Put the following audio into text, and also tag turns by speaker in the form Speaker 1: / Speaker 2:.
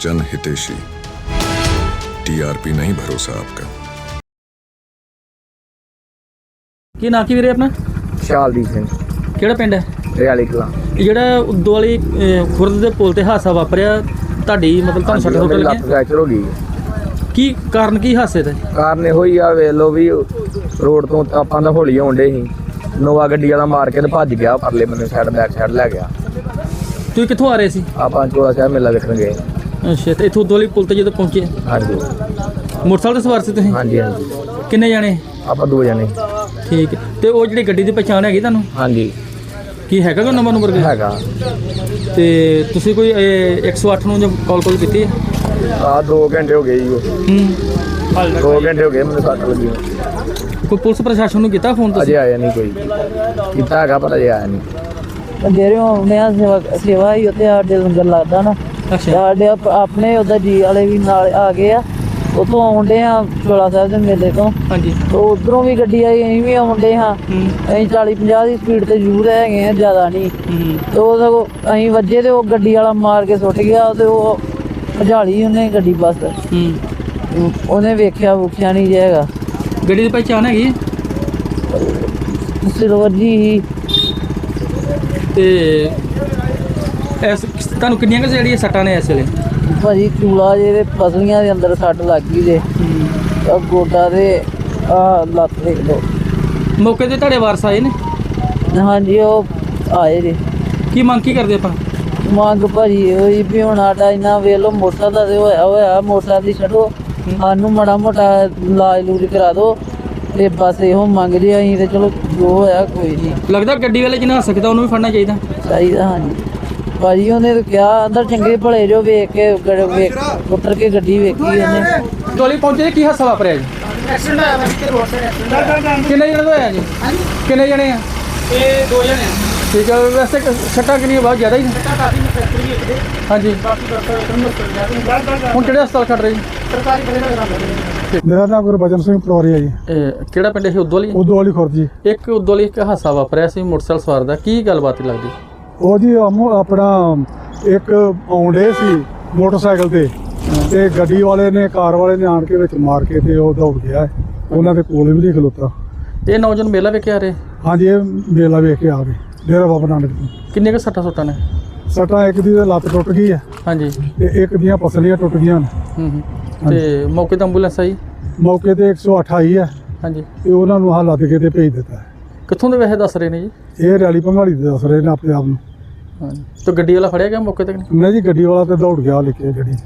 Speaker 1: जन हितेशी। टीआरपी नहीं भरोसा आपका।
Speaker 2: ਕੀ ਨਾਂ ਕੀ ਵੀਰੇ ਆਪਣਾ?
Speaker 3: ਸ਼ਾਲਦੀਪ ਸਿੰਘ
Speaker 2: ਕਿਹੜਾ ਪਿੰਡ ਹੈ?
Speaker 3: ਰਿਆਲੀ ਕਲਾਂ।
Speaker 2: ਇਹ ਜਿਹੜਾ ਉਦੋਂ ਵਾਲੀ ਖੁਰਦ ਦੇ ਪੁਲ ਤੇ ਹਾਦਸਾ ਵਾਪਰਿਆ, ਤੁਹਾਡੀ ਮਤਲਬ ਤੁਹਾਨੂੰ ਸੱਟ ਸੁੱਟ
Speaker 3: ਲੱਤ
Speaker 2: ਲੱਗੀ,
Speaker 3: ਫ੍ਰੈਕਚਰ ਹੋ ਗਈ।
Speaker 2: ਕੀ ਕਾਰਨ ਕੀ ਹਾਦਸੇ ਦਾ?
Speaker 3: ਕਾਰਨ ਇਹੋ ਹੀ ਆ, ਵੇਖ ਲਓ ਵੀ ਰੋਡ ਤੋਂ ਆਪਾਂ ਤਾਂ ਹੌਲੀ ਆਉਂਦੇ ਸੀ, ਨੋਵਾ ਗੱਡੀ ਵਾਲਾ ਮਾਰ ਕੇ ਤੇ ਭੱਜ ਗਿਆ ਪਰਲੇ ਬੰਨੇ ਸਾਈਡ, ਬੈਕ ਸਾਈਡ ਲੈ ਗਿਆ।
Speaker 2: ਤੁਸੀਂ ਕਿੱਥੋਂ ਆ ਰਹੇ ਸੀ?
Speaker 3: ਆਪਾਂ ਚੋਲਾ ਸਾਹਿਬ ਮੇਲਾ ਵੇਖਣ ਗਏ।
Speaker 2: ਅੱਛਾ, ਤੇ ਇੱਥੋਂ ਉਦੋਂ ਵਾਲੀ ਪੁਲ ਤੇ ਜਦੋਂ ਪਹੁੰਚੇ
Speaker 3: ਹਾਂਜੀ
Speaker 2: ਮੋਟਰਸਾਈਕਲ ਤੇ ਸਵਾਰ ਸੀ ਤੁਸੀਂ?
Speaker 3: ਹਾਂਜੀ ਹਾਂਜੀ,
Speaker 2: ਕਿੰਨੇ ਜਾਣੇ?
Speaker 3: ਆਪਾਂ 2 ਜਣੇ।
Speaker 2: ਠੀਕ ਹੈ। ਤੇ ਉਹ ਜਿਹੜੀ ਗੱਡੀ ਦੀ ਪਛਾਣ ਹੈਗੀ ਤੁਹਾਨੂੰ?
Speaker 3: ਹਾਂਜੀ
Speaker 2: ਕੀ ਹੈਗਾ ਕੋਈ ਨੰਬਰ
Speaker 3: ਹੈਗਾ।
Speaker 2: ਤੇ ਤੁਸੀਂ ਕੋਈ 108 ਨੂੰ ਕਾਲ ਕੀਤੀ ਹੈ?
Speaker 3: 2 ਘੰਟੇ ਹੋ ਗਏ ਜੀ। ਉਹ 2 ਘੰਟੇ ਹੋ ਗਏ ਮੈਨੂੰ ਸੱਟ ਲੱਗੀ।
Speaker 2: ਕੋਈ ਪੁਲਿਸ ਪ੍ਰਸ਼ਾਸਨ ਨੂੰ ਕੀਤਾ ਫੋਨ
Speaker 3: ਅਜੇ
Speaker 2: ਤੁਸੀਂ?
Speaker 3: ਆਇਆ ਨਹੀਂ ਕੋਈ, ਕੀਤਾ ਹੈਗਾ ਪਰ ਅਜੇ ਆਇਆ ਨਹੀਂ।
Speaker 4: ਜਿਹੜੇ ਹੁੰਦੇ ਆ ਸੇਵਾ ਹੀ ਉੱਥੇ ਸਾਡੇ ਲੰਗਰ ਲੱਗਦਾ ਨਾ,
Speaker 2: ਅੱਛਾ,
Speaker 4: ਸਾਡੇ ਆਪਣੇ ਉਹਦਾ ਜੀ ਵਾਲੇ ਵੀ ਨਾਲ ਆ ਗਏ ਆ, ਉੱਥੋਂ ਆਉਂਦੇ ਆ ਚੋਲਾ ਸਾਹਿਬ ਦੇ ਮੇਲੇ ਤੋਂ।
Speaker 2: ਹਾਂਜੀ।
Speaker 4: ਤੇ ਉਧਰੋਂ ਵੀ ਗੱਡੀ ਆਈ, ਅਸੀਂ ਵੀ ਆਉਂਦੇ ਹਾਂ। ਅਸੀਂ 40-50 ਦੀ ਸਪੀਡ ਤੇ ਜ਼ਰੂਰ ਹੈਗੇ ਆ, ਜ਼ਿਆਦਾ ਨਹੀਂ। ਤੇ ਉਹ ਸਗੋਂ ਅਸੀਂ ਵੱਜੇ ਤੇ ਉਹ ਗੱਡੀ ਵਾਲਾ ਮਾਰ ਕੇ ਸੁੱਟ ਗਿਆ, ਤੇ ਉਹ ਭਜਾਲੀ ਉਹਨੇ ਗੱਡੀ ਬਸ। ਉਹਨੇ ਵੇਖਿਆ ਨਹੀਂ ਜੇ ਹੈਗਾ।
Speaker 2: ਗੱਡੀ ਦੀ ਪਛਾਣ ਹੈਗੀ?
Speaker 4: ਸਿਲਵਰ ਜੀ ਹੀ।
Speaker 2: ਤੇ ਤੁਹਾਨੂੰ ਕਿੰਨੀਆਂ ਕੁ ਜਿਹੜੀਆਂ ਸੱਟਾਂ ਨੇ ਇਸ ਵੇਲੇ?
Speaker 4: ਭਾਜੀ ਚੂਲਾ ਜੇ ਦੇ ਪਸਲੀਆਂ ਦੇ ਅੰਦਰ ਸੱਟ ਲੱਗ ਗਈ ਜੇ, ਆ ਗੋਡਾ ਦੇ ਆ ਲੱਤ ਦੇਖ ਲਓ।
Speaker 2: ਮੌਕੇ ਤੇ ਤੁਹਾਡੇ ਵਾਰਸ ਆਏ ਨੇ?
Speaker 4: ਹਾਂਜੀ ਉਹ ਆਏ ਜੇ।
Speaker 2: ਕੀ ਮੰਗ ਕੀ ਕਰਦੇ ਆਪਾਂ?
Speaker 4: ਮੰਗ ਭਾਜੀ ਹੋਈ ਵੀ ਹੁਣ ਸਾਡਾ ਇੰਨਾ ਵੇਖ ਲਓ, ਮੋਟਰਸਾਈਕਲ ਦਾ ਤੇ ਹੋਇਆ ਮੋਟਰਸਾਈਕਲ ਦੀ ਛੱਡੋ, ਸਾਨੂੰ ਮਾੜਾ ਮੋਟਾ ਇਲਾਜ ਲੂਜ ਕਰਾ ਦਿਓ। ਤੇ ਬਸ ਇਹੋ ਮੰਗ ਰਹੇ ਅਸੀਂ, ਤੇ ਚਲੋ ਜੋ ਹੋਇਆ ਕੋਈ ਨਹੀਂ।
Speaker 2: ਲੱਗਦਾ ਗੱਡੀ ਵਾਲੇ ਜਿਹਨਾਂ ਹੱਸ ਸਕਦਾ ਉਹਨੂੰ ਵੀ ਫੜਨਾ ਚਾਹੀਦਾ।
Speaker 4: ਚਾਹੀਦਾ ਹਾਂਜੀ ਭਾਜੀ। ਉਹਨੇ ਤਾਂ ਕਿਹਾ ਅੰਦਰ ਚੰਗੇ ਭਲੇ ਜੋ ਵੇਖ ਕੇ ਉਤਰ ਕੇ ਗੱਡੀ ਵੇਖੀ ਉਹਨੇ।
Speaker 2: ਟੋਲੀ ਪਹੁੰਚੇ, ਕੀ ਹਾਦਸਾ ਵਾਪਰਿਆ ਜੀ?
Speaker 5: ਐਕਸੀਡੈਂਟ ਹੋਇਆ ਵਾ ਇੱਥੇ ਰੋਡ ਤੇ ਐਕਸੀਡੈਂਟ।
Speaker 2: ਕਿੰਨੇ ਜਣੇ ਹੋਇਆ ਜੀ? ਕਿੰਨੇ ਜਣੇ ਆ?
Speaker 5: ਇਹ 2 ਜਣੇ ਆ।
Speaker 2: ਠੀਕ ਹੈ। ਵੈਸੇ ਸੱਟਾਂ ਕਿੰਨੀਆਂ? ਬਹੁਤ ਜ਼ਿਆਦਾ ਹੀ ਨੇ।
Speaker 5: ਕਾਫੀ ਫੈਕਟਰੀ ਇੱਕ ਦੇ
Speaker 2: ਹਾਂਜੀ।
Speaker 5: ਕਾਫੀ ਡਾਕਟਰ ਇੱਕ ਨੂੰ ਸਰਕਾਰੀ
Speaker 2: ਹੁਣ ਕਿਹੜੇ ਹਸਪਤਾਲ ਖੜ ਰਹੇ ਜੀ?
Speaker 5: ਬੜੇ ਲਗਾਉਂਦੇ।
Speaker 6: ਮੇਰਾ ਨਾਮ ਗੁਰਬਚਨ ਸਿੰਘ ਪਟਵਾਰੀ ਜੀ।
Speaker 2: ਕਿਹੜਾ ਪਿੰਡ ਇਹ? ਉਦੋਂ ਵਾਲੀ?
Speaker 6: ਉਦੋਂ ਵਾਲੀ ਖੁਰਦ ਜੀ।
Speaker 2: ਇੱਕ ਉਦੋਂ ਵਾਲੀ ਇੱਕ ਹਾਦਸਾ ਵਾਪਰਿਆ ਸੀ ਮੋਟਰਸਾਈਕਲ ਸਵਾਰ ਦਾ, ਕੀ ਗੱਲਬਾਤ ਲੱਗਦੀ?
Speaker 6: ਉਹ ਜੀ ਆਪਣਾ ਇੱਕ ਆਉਂਦੇ ਸੀ ਮੋਟਰਸਾਈਕਲ ਤੇ ਗੱਡੀ ਵਾਲੇ ਨੇ, ਕਾਰ ਵਾਲੇ ਨੇ ਆਣ ਕੇ ਵਿੱਚ ਮਾਰ ਕੇ ਤੇ ਉਹ ਦੌੜ ਗਿਆ। ਉਹਨਾਂ ਦੇ ਕੋਲ ਵੀ ਨਹੀਂ ਖਲੋਤਾ।
Speaker 2: ਇਹ ਨੌਜਵਾਨ ਮੇਲਾ ਵੇਖ ਕੇ ਆ ਰਹੇ?
Speaker 6: ਹਾਂਜੀ, ਇਹ ਮੇਲਾ ਵੇਖ ਕੇ ਆ ਗਏ ਡੇਰਾ ਬਾਬਾ ਨਾਨਕ ਤੋਂ।
Speaker 2: ਕਿੰਨੇ ਕੁ ਸੱਟਾਂ ਸੁੱਟਾਂ ਨੇ?
Speaker 6: ਸੱਟਾਂ ਇੱਕ ਦੀ ਤਾਂ ਲੱਤ ਟੁੱਟ ਗਈ ਹੈ
Speaker 2: ਹਾਂਜੀ।
Speaker 6: ਤੇ ਇੱਕ ਦੀਆਂ ਪਸਲੀਆਂ ਟੁੱਟ ਗਈਆਂ ਨੇ।
Speaker 2: ਤੇ ਮੌਕੇ ਤੇ ਐਂਬੂਲੈਂਸ ਆਈ?
Speaker 6: ਮੌਕੇ ਤੇ 108 ਆਈ ਹੈ
Speaker 2: ਹਾਂਜੀ।
Speaker 6: ਤੇ ਉਹਨਾਂ ਨੂੰ ਹਾਲ ਲੱਦ ਕੇ ਤੇ ਭੇਜ ਦਿੱਤਾ ਹੈ।
Speaker 2: ਕਿੱਥੋਂ ਦੇ ਵੈਸੇ ਦੱਸ ਰਹੇ ਨੇ ਜੀ?
Speaker 6: ਇਹ ਰੈਲੀ ਭੰਗਾਲੀ ਦੇ ਦੱਸ ਰਹੇ ਨੇ ਆਪਣੇ ਆਪ ਨੂੰ।
Speaker 2: ਹਾਂਜੀ। ਤੇ ਗੱਡੀ ਵਾਲਾ ਫੜਿਆ ਗਿਆ ਮੌਕੇ ਤੇ?
Speaker 6: ਨਹੀਂ ਜੀ, ਗੱਡੀ ਵਾਲਾ ਤੇ ਦੌੜ ਗਿਆ ਲੈ ਕੇ ਗੱਡੀ।